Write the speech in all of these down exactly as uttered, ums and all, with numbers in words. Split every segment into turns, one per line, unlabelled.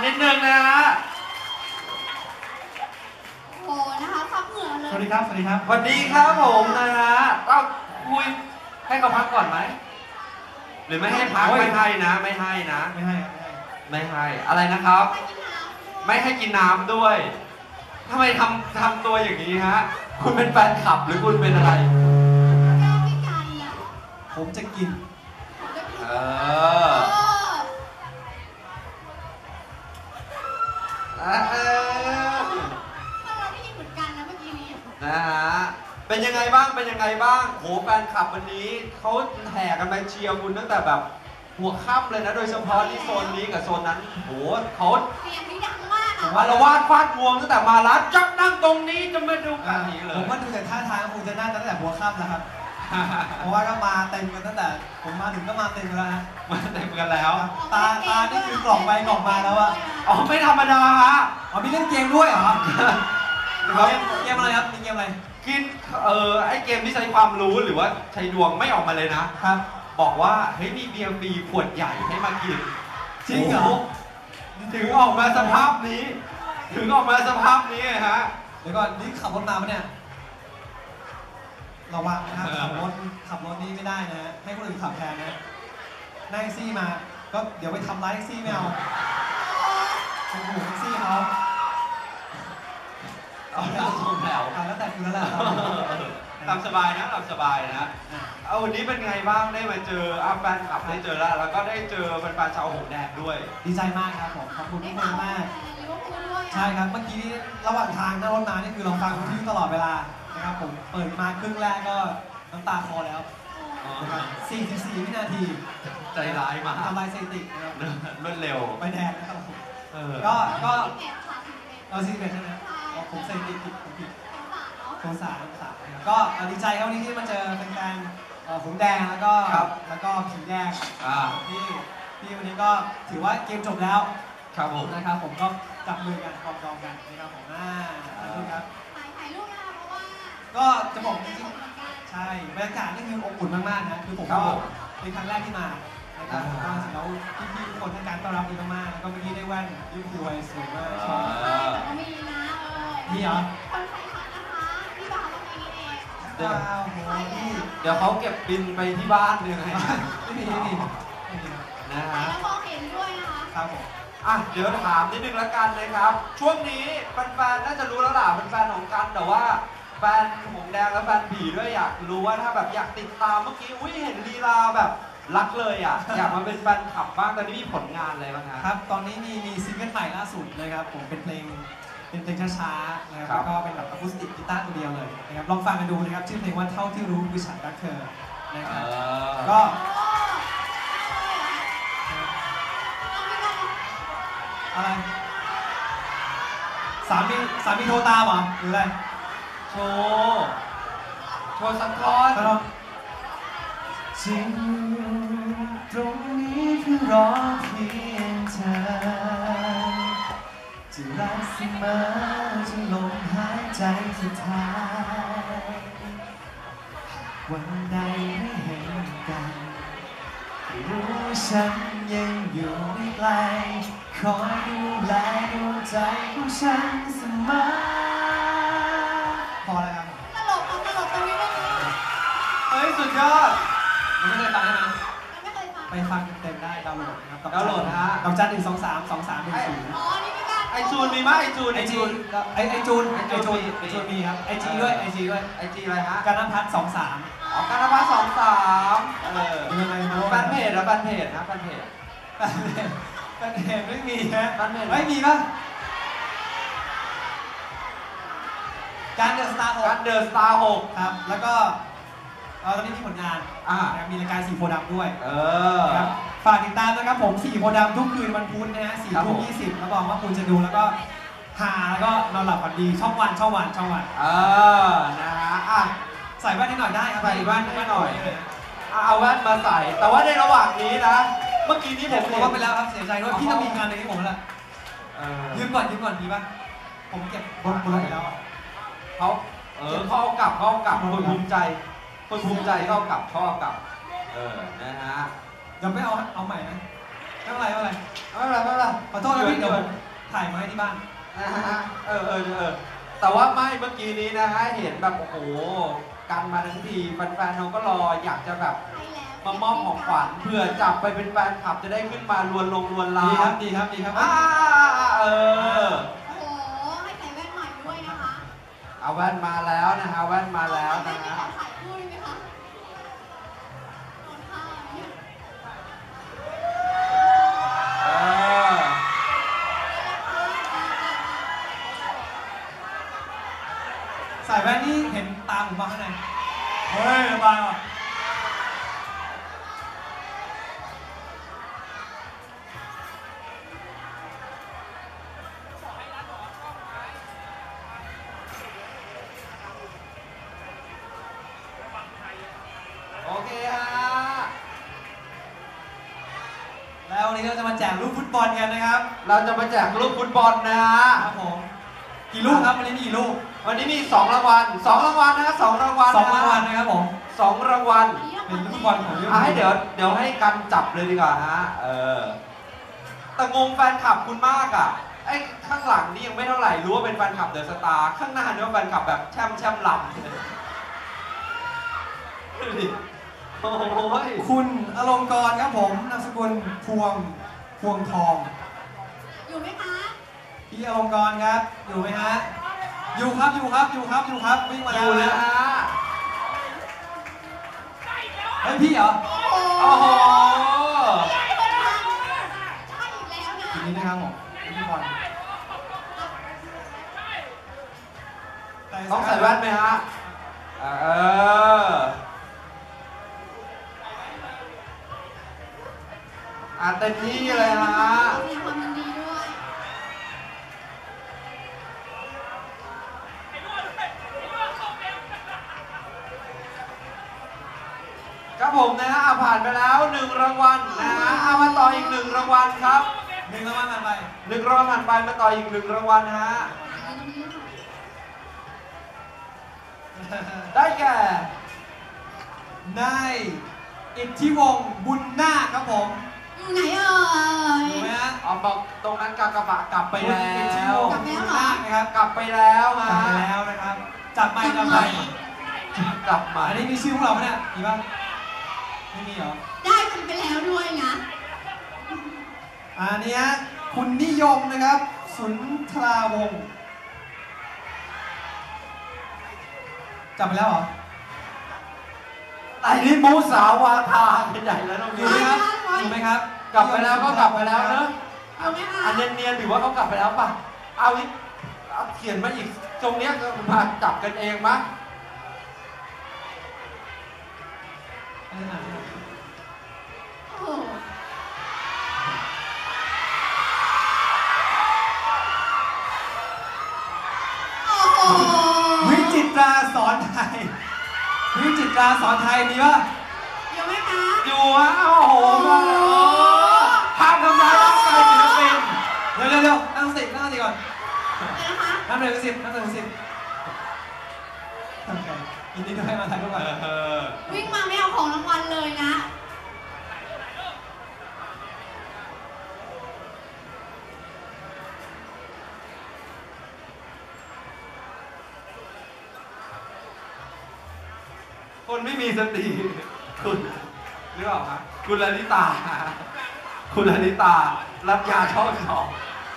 นิดนึงนะฮะ
โอ้นะคะพักเหงื่อเลย
สวัสดีครับสวัสดีครับ
สวัสดีครับผมนะฮะต้องคุยให้เขาพักก่อนไหมหรือไม่ให้พักไม่ให้นะไม่ให้นะ
ไม่ให้
ไม่ให้อะไรนะครับไม่ให้กินน้ำด้วยทำไมทำทำตัวอย่างนี้ฮะคุณเป็นแฟนคลับหรือคุณเป็นอะไร
ผมจะกิน
เออเออนะฮะเป็นยังไงบ้างเป็นยังไงบ้างโหแฟนคลับวันนี้เขาแห่กันมาเชียร์คุณตั้งแต่แบบหัวค่ำเลยนะโดยเฉพาะที่โซนนี้กับโซนนั้นโหเขา
เสียงนี้ดังมาก
อารวาสฟาดงวงตั้งแต่มาร้านจับนั่งตรงนี้จะมาดูกันนี้เลย
ผมว่าดูแต่ท่าทางคงจะน่าตั้งแต่หัวค่ำนะครับเพราะว่าก็มาเต็มกันตั้งแต่ผมมาถึงก็มาเต็มแล้วฮะ
มาเต็มกันแล้ว
ตาตานี่คือกล่องไปกล่องมาแล้วอะ
อ๋อไม่ธรรมดาฮะ
อ๋อมีเล่นเกมด้วยเหรอเกมอะไรครับมีเกมอะไร
กินเออไอเกมที่ใช้ความรู้หรือว่าใช้ดวงไม่ออกมาเลยนะครับบอกว่าเฮ้ยมีเบียร์ฟรีขวดใหญ่ให้มากิน
จริงเหรอ
ถึงออกมาสภาพนี้ถึงออกมาสภาพนี้ฮะ
เดี๋ยวก่อนนี่ขับรถมาปะเนี่ยระวังนะครับขับรถขับรถนี่ไม่ได้นะฮะให้คนอื่นขับแทนนะนั่งแท็กซี่มาก็เดี๋ยวไปทำร้ายแท็กซี่ไม่เอาโอ้โหแท็กซี่เขา
เอาแล้วส่งแถว
แล้วแต่คุณแล้วแหละ
ตามสบายนะตามสบายนะเอาวันนี้เป็นไงบ้างได้มาเจออาแฟนคลับได้เจอแล้วแล้วก็ได้เจอแฟนๆชาวหงแดงด้วย
ดีใจมากครับผมขอบคุณทุกคนมากใช่ครับเมื่อกี้ระหว่างทางนั่งรถมานี่คือเราฟังวิทยุตลอดเวลานะครับผมเปิดมาครึ่งแรกก็น้ำตาคลอแล้วสี่สิบสี่วินาที
ใจร้ายมาก
ทำลายสถิตินะครับ
รวดเร็ว
ไปแดงนะครับก็ก็เราซีเมนใช่ไหมผมใส่ติดผิดผมผิดโทรสามสามก็ดีใจครับวันนี้ที่มาเจอแฟนๆหงแดงแล้วก็แล้วก็ผีแดงที่ที่วันนี้ก็ถือว่าเกมจบแล้ว
ครับผม
นะครับผมก็จับมือกันกอดกอดกันนะครับผมน่าถ่ายรูปครับ
ถ่ายรูปนะคะเพราะว่า
ก็จะบอกจริงๆใช่บรรยากาศนี่คืออบอุ่นมากๆนะคือผมก็เป็นครั้งแรกที่มานะครับผมก็แล้วพี่ๆทุกคนให้การต้อนรับดีมากๆแล้วก็เมื่อกี้ได้แว่นยูคูไวสวยมาก
ใช่แต่ก็มีนะเออ
มีเหรอ
คนไทยทักนะคะพี่บ่าวตรงนี้เอง
เดี๋ยวเดี๋ยวเขาเก็บบินไปที่บ้านเลยไง
ไม่มีไม่มี
นะฮะ
แล้วมองเห็นด้วยนะคะ
ครับผม
อ่ะเดี๋ยวถามนิดนึงละกันนะครับช่วงนี้แฟนๆน่าจะรู้แล้วล่ะเป็นแฟนของกันแต่ว่าแฟนหงแดงและแฟนผีด้วยอยากรู้ว่าถ้าแบบอยากติดตามเมื่อกี้อุ้ยเห็นลีลาแบบรักเลยอ่ะอยากมาเป็นแฟนคลับบ้างตอนนี้มีผลงานอะไรบ้าง
ครับตอนนี้มีมีซิงเกิลใหม่ล่าสุดนะครับผมเป็นเพลงเป็นเพลงช้าๆนะครับแล้วก็เป็นแบบอะคูสติกกีตาร์ตัวเดียวเลยนะครับลองฟังกันดูนะครับชื่อเพลงว่าเท่าที่รู้คือฉันรักเธอนะครับก็อะไรสามีสามีโทรตามเหรอหรืออะไร
โชว์โชว์สักท่อน
จริงตรงนี้คือรอเพียงเธอจะรักเสมอจนลมหายใจสุดท้ายวันใดไม่เห็นกันรู้ฉันยังอยู่ไม่ไกลคอยดูแลดวงใจของฉันเสมอพอแล้วครับ
ตลกตลกตรงนี้ได้ไหม
เฮ้ยสุดยอด
ไม่เคยฟังใช่ไหม
ไม่เคยฟัง
ไปฟังเต็มได้ดาวน์โหลดนะครับ
ดาวน์โหลดฮะ
ดอกจันหนึ่งสองสามสองสามหนึ่งศูนย์
อ๋อนี่ไม่ได้
ไอจูนมีไหมไอจูน
ไอจูนไอไอจูนไอจูนไอจูนมีครับไอจีด้วยไอจีด้วย
ไอจีอะไรฮะ
การนพัฒน์สองสาม
อ๋อการนพัฒน์สองสามเออ
ยังไง
แฟนเพจนะแฟนเพจนะแฟนเพจ
แฟนเพจไม่มีฮะ
แฟนเพจ
ไม่มีป่ะการเดอะสตาร์หก
การเดอะสตาร์หก
ครับแล้วก็ตอนนี้มีผลงานมีรายการสี่โพธิ์ดำด้วยฝากติดตามนะครับผมสี่โพธิ์ดำทุกคืนวันพุธนะฮะสี่ทุ่มยี่สิบรับรองว่าคุณจะดูแล้วก็หาแล้วก็นอนหลับฝันดีช่องวันช่องวันช่องวัน
เออนะฮะอ่ะ
ใส่แว่นให้หน่อยได้ครับ
ใส่แว่นให้หน่อยเอาแว่นมาใส่แต่ว่าในระหว่างนี้นะเมื่อกี้นี้ผม
บอกว่าไปแล้วครับเสียใจด้วยพี่ต้องมีงานในนี้ผมแล้วยืมก่อนยืมก่อนดีป่ะผมเก็บบนบนไปแล้ว
เขาเออเขาเอากลับเขาเอากลับคนภูมิใจคนภูมิใจเขาเอากลับเขาเอากลับเออนะฮะ
ยังไม่เอาเอาใหม่นะไม่เป็นไรไม่เป็นไร
ไม่เป็นไรไม่เป็นไร
ขอโทษนะพี่เดี๋ยวผมถ่ายมาให้ที่บ้าน
นะฮะเออเออเออแต่ว่าไม่เมื่อกี้นี้นะฮะเห็นแบบโอ้โหกันมาทั้งทีแฟนๆเขาก็รออยากจะแบบ
ใช่แล้ว
มามอบของขวัญเพื่อจับไปเป็นแฟนคลับจะได้ขึ้นมาลวนลงลวนลา
ดีครับดีครับดีครับ
อ่าเออ
โอ้โหให้ใส่แว่นใหม่ด้วยนะคะ
เอาแว่นมาแล้วนะฮะแว่นมาแล้วนะ
ใส่
ฮะ
แว่นขอถ่ายคู่ได้ไหมคะโดนท่าเนี่ย
เออ
ใส่แว่นนี่เห็นตาผมบ้างข้างในเฮ้ยบายว่ะ
โอเคฮะ
แล้ววันนี้เราจะมาแจกลูกฟุตบอลกันนะครับ
เราจะมาแจกลูกฟุตบอลนะฮะ
ครับผมกี่ลูกครับวันนี้มีกี่ลูก
วันนี้มีสองรางวัลสองรางวัลนะฮะสองรางวัล
สองรางวัลนะครับผม
สองรางวัล
เป็นลูกฟุตบอลของเรื่อง
อ่ะให้เดี๋ยวเดี๋ยวให้กันจับเลยดีกว่าฮะเออแต่งงแฟนคลับคุณมากอ่ะไอ้ข้างหลังนี่ยังไม่เท่าไหร่รู้ว่าเป็นแฟนคลับเดอะสตาร์ข้างหน้านี่ว่าแฟนคลับแบบแช่มแช่มหลับดูดิโอ้ย
คุณอลงกรณ์ครับผมนามสกุลพวงพวงทอง
อยู่ไหมคะ
พี่อลงกรณ์ครับอยู่ไหมฮะอยู่ครับอยู่ครับอยู่ครับอยู่ครับวิ่งมา
อ
แล้ว
ยู่นะ
นะ
ฮะ
เฮ้ยพี่เหรอ
โอ้โห
โอ้โห
ใช่อีกแล้วนะ
ทีนี้นะครับผมพี่บอล
ต้องใส่แว่นไหมฮะเอออ่ะเต็มที่เลยฮะ
แสดงความยินดีด้วย
ครับผมนะฮะอ่ะผ่านไปแล้วหนึ่งรางวัลนะฮะเอามาต่ออีกหนึ่งรางวัลครับ
หนึ่งรางวัลผ่านไป
หนึ่งรางวัลผ่านไปมาต่ออีกหนึ่งรางวัลนะฮะ
ยืนตรงนี้ค่ะ
ได้แก่
นายอิทธิวงศ์บุญนาคครับผม
อยู่ไหนเอ่ย
ถูกไหมฮะ
เอาบอกตรงนั้นกากบะกลับไปแล้
คุณอิทธิ
ว
วงศ์บุญนาคนะครับ
กลับไปแล้ว
ก
ฮะ
ลับไปแล้วนะครับจับไปจับไป
กลับมา
อันนี้มีชื่อพวกเราไหมเนี่ยมีป่ะไม่มีเหรอ
ได้กันไปแล้วด้วยนะ
อันนี้ฮะคุณนิยมนะครับ สุนทราวงศ์จับไปแล้วเหรอ
ไอ้นี่มูสาวาทาเป็นใหญ่แล้วน้อง
อ
ยู
ยู่ไหมครับอยู่ไหมครับ
กลับไปแล้วก็กลับไปแล้วเนอะ
อยู่ไหมคะ
อันเนียนๆถือว่าเขากลับไปแล้วป่ะเอาอีกเอาเขียนมาอีกตรงเนี้ยก็มาจับกันเองมั้ย
อันนี้หนัก
โอ้โหโอ้โห
วิจิตราสอนไทย วิจิตราสอนไทยมีป่ะ
อยู่ไหมคะ
อยู่ฮะโอ้โหมาแล้วห้ามทำร้ายร่างกายศิลปิน
เดี๋ยวเดี๋ยวเดี๋ยวนั่งสตินั่งสติก่อน
เดี๋ยวนะคะ
นั่งหนึ่งสิบนั่งหนึ่งสิบโอเคยินดีด้วยมาถ่ายรูปก่อน
เออ
วิ่งมาไม่เอาของรางวัลเลยนะ
คนไม่มีสติคุณหรือเปล่าครับคุณลลิตา คุณลลิตา รับยาช่องสอง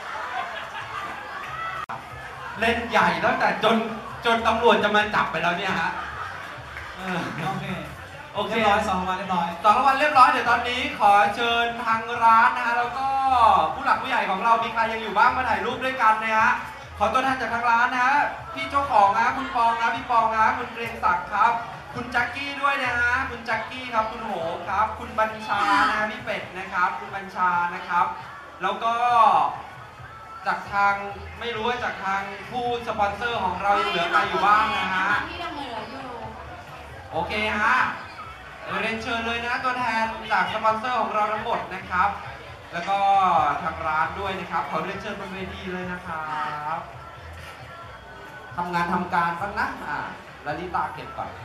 เล่นใหญ่ตั้งแต่จนจนตำรวจจะมาจับไปแล้วเนี่ยฮะเออ
โอเค
โอเค
เรียบร้อยสองรางวัลเรียบร้อย
สองรางวัลเรียบร้อยเดี๋ยวตอนนี้ขอเชิญทางร้านนะฮะแล้วก็ผู้หลักผู้ใหญ่ของเรามีใครยังอยู่บ้างมาถ่ายรูปด้วยกันนะฮะขอตัวแทนจากทางร้านนะฮะพี่เจ้าของนะคุณปองนะพี่ปองนะคุณเกรียงศักดิ์ครับ คุณแจ็คกี้ด้วยนะฮะคุณแจ็คกี้ครับคุณโหครับ คุณบัญชานะฮะพี่เป็ดนะครับ คุณบัญชานะครับ แล้วก็จากทางไม่รู้ว่าจากทางผู้สปอนเซอร์ของเรายังเหลือใครอยู่บ้างนะฮะ
ที่ยังเหลืออยู่
โอเคฮะเรียนเชิญเลยนะตัวแทนจากสปอนเซอร์ของเราทั้งหมดนะครับ แล้วก็ทางร้านด้วยนะครับขอเรียนเชิญบนเวทีเลยนะครับทำงานทำการบ้างนะอ่าลลิตาเก็บก่อน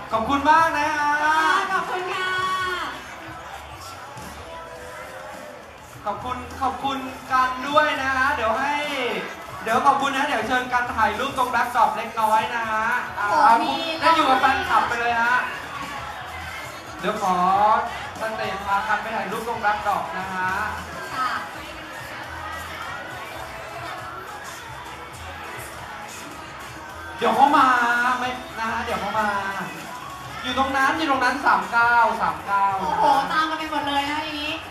ขอบคุณมากนะฮะ
ขอบคุณค่ะ
ขอบคุณขอบคุณกันด้วยนะฮะเดี๋ยวให้เดี๋ยวขอบคุณนะเดี๋ยวเชิญกันถ่ายรูปตรงแบ็คดรอปเล็กน้อยนะฮะอ่า
โอ้มี
ได้อยู่กับแฟนคลับไปเลยฮะเดี๋ยวขอสเตจพากันไปถ่ายรูปตรงแบ็คดรอปนะฮะ
ค่ะ
เดี๋ยวเขามาไม่นะฮะเดี๋ยวเขามา อยู่ตรงนั้นอยู่ตรงนั้นสามเก้าสามเก้า
โอ้โห ตามกันไปหมดเลยนะอย่างนี้